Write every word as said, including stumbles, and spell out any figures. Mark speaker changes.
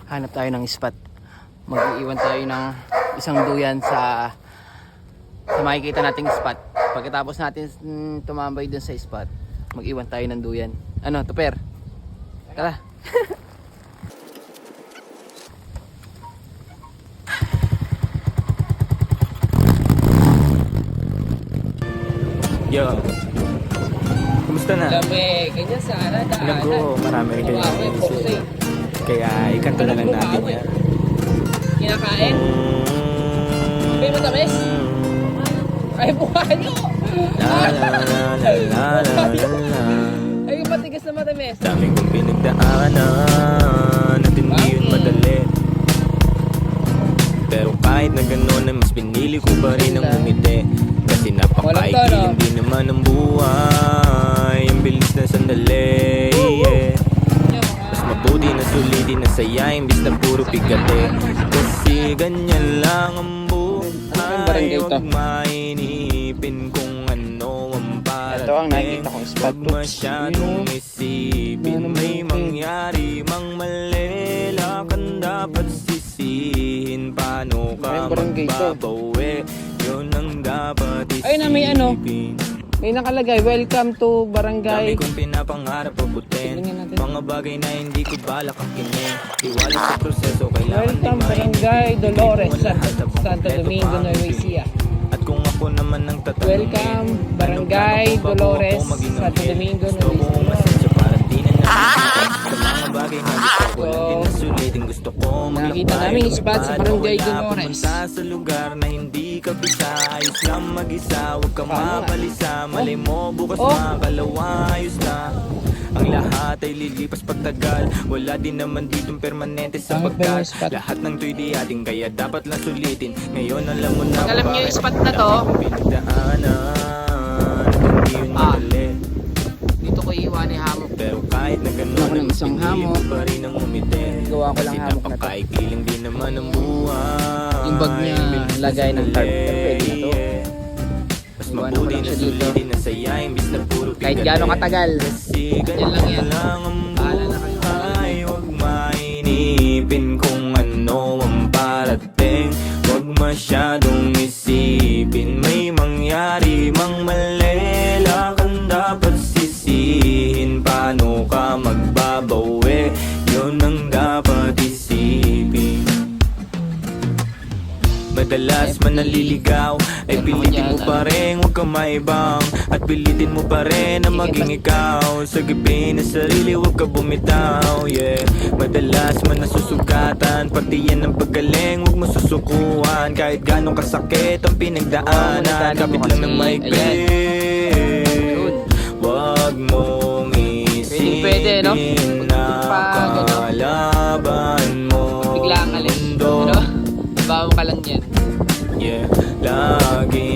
Speaker 1: hanap tayo ng spot. Mag-iiwan tayo ng isang duyan sa sa makikita nating spot. Pagkatapos natin mm, tumambay dun sa spot, mag-iwan tayo ng duyan. Ano, Tuper? Tara.
Speaker 2: Yo, kumusta na?
Speaker 1: Lamig, ganyan sana daanan.
Speaker 2: Alam ko, marami rin kayo
Speaker 1: Wow,
Speaker 2: naisip.
Speaker 1: eh,
Speaker 2: Kaya ikanto na lang natin yan.
Speaker 1: Kinakain? May matamis? Ay, buhayo!
Speaker 2: La la la la la la la.
Speaker 1: Ay, yung matigas na matamis.
Speaker 2: Daming kong pinagdaanan at hindi yun madali. Pero kahit na gano'n ay mas pinili ko pa rin ang umiti. Kasi napakaikiling din naman ang buhay. Ang bilis na sandali, yeah. Mas mabuti na sulitin na saya imbis na puro pigate. Kasi ganyan lang ang buhay. Huwag mainipin kung ano ang parating.
Speaker 1: Ito ang nakikita kong spot.
Speaker 2: Huwag masyadong isipin may mangyari mang mali. Lakan dapat sisihin. Paano ka magbabawi? Yun ang dapat isipin.
Speaker 1: Ay, na may ano? May nakalagay, welcome to Barangay.
Speaker 2: Dami kong pinapangarap abutin. Mga bagay na hindi ko balak akinin. Iwala sa proseso, kailangan
Speaker 1: Welcome Barangay Dolores, Santo, Santo Domingo, Nueva Ecija.
Speaker 2: At kung ako naman ang tatanungin,
Speaker 1: Welcome Barangay Dolores, Santo Domingo,
Speaker 2: gusto
Speaker 1: Nueva
Speaker 2: ko
Speaker 1: Ecija.
Speaker 2: masensya para di na nakikita. Sa mga bagay na gusto ko lang din na sulitin. Gusto ko
Speaker 1: Nakita namin yung spot sa Barangay Dolores.
Speaker 2: Pumunta sa lugar na hindi ka bisa. Ayos lang mag-isa, huwag kang mapalisa. Malay mo bukas
Speaker 1: Oh.
Speaker 2: makakalawa, ayos na. Ang lahat ay lilipas pagtagal. Wala din naman ditong permanente sa
Speaker 1: Bakit ba yung
Speaker 2: pagkat
Speaker 1: spot?
Speaker 2: lahat ng to'y di ating kaya dapat lang sulitin. Ngayon alam mo na
Speaker 1: Pag alam niyo yung spot na to,
Speaker 2: pinagdaanan at hindi yun
Speaker 1: Ah.
Speaker 2: madali.
Speaker 1: Dito ko iiwan ni hamok.
Speaker 2: Pero kahit na
Speaker 1: Gawa ko
Speaker 2: gano'n
Speaker 1: ng isang hamok.
Speaker 2: pa rin ang umiti.
Speaker 1: Gawa ko lang
Speaker 2: Kasi
Speaker 1: hamok na to.
Speaker 2: napakaikiling din naman ang buhay.
Speaker 1: Yung bag niya,
Speaker 2: Bilis na
Speaker 1: lagay ng tarp. Pero pwede na to.
Speaker 2: Mas
Speaker 1: Iwanan ko
Speaker 2: mabuti
Speaker 1: lang
Speaker 2: na
Speaker 1: siya dito.
Speaker 2: sulitin na saya imbis na puro
Speaker 1: Kahit
Speaker 2: pigate.
Speaker 1: gaano katagal.
Speaker 2: Kasi
Speaker 1: Yan lang yan.
Speaker 2: lang ang
Speaker 1: Bahala na kayo.
Speaker 2: buhay. Huwag mainipin kung ano ang parating. Huwag masyadong isipin may mangyari mang mali. Lakan dapat sisihin. Paano ka magbabawi? Yun ang dapat isipin. Madalas man naliligaw ay pilitin mo pa rin, huwag kang maibang. At pilitin mo pa rin na maging ikaw. Sagipin na sarili, huwag ka bumitaw, yeah. Madalas man nasusugatan, pati yan ang paggaling, huwag mo susukuhan. Kahit ganong kasakit ang pinagdaanan, kapit lang ng maigpit. Huwag mong
Speaker 1: Pwede, no?
Speaker 2: isipin na kalaban mo
Speaker 1: Bigla ang alin.
Speaker 2: mundo.
Speaker 1: Ano? Bawo ka lang yan.
Speaker 2: Yeah, lagi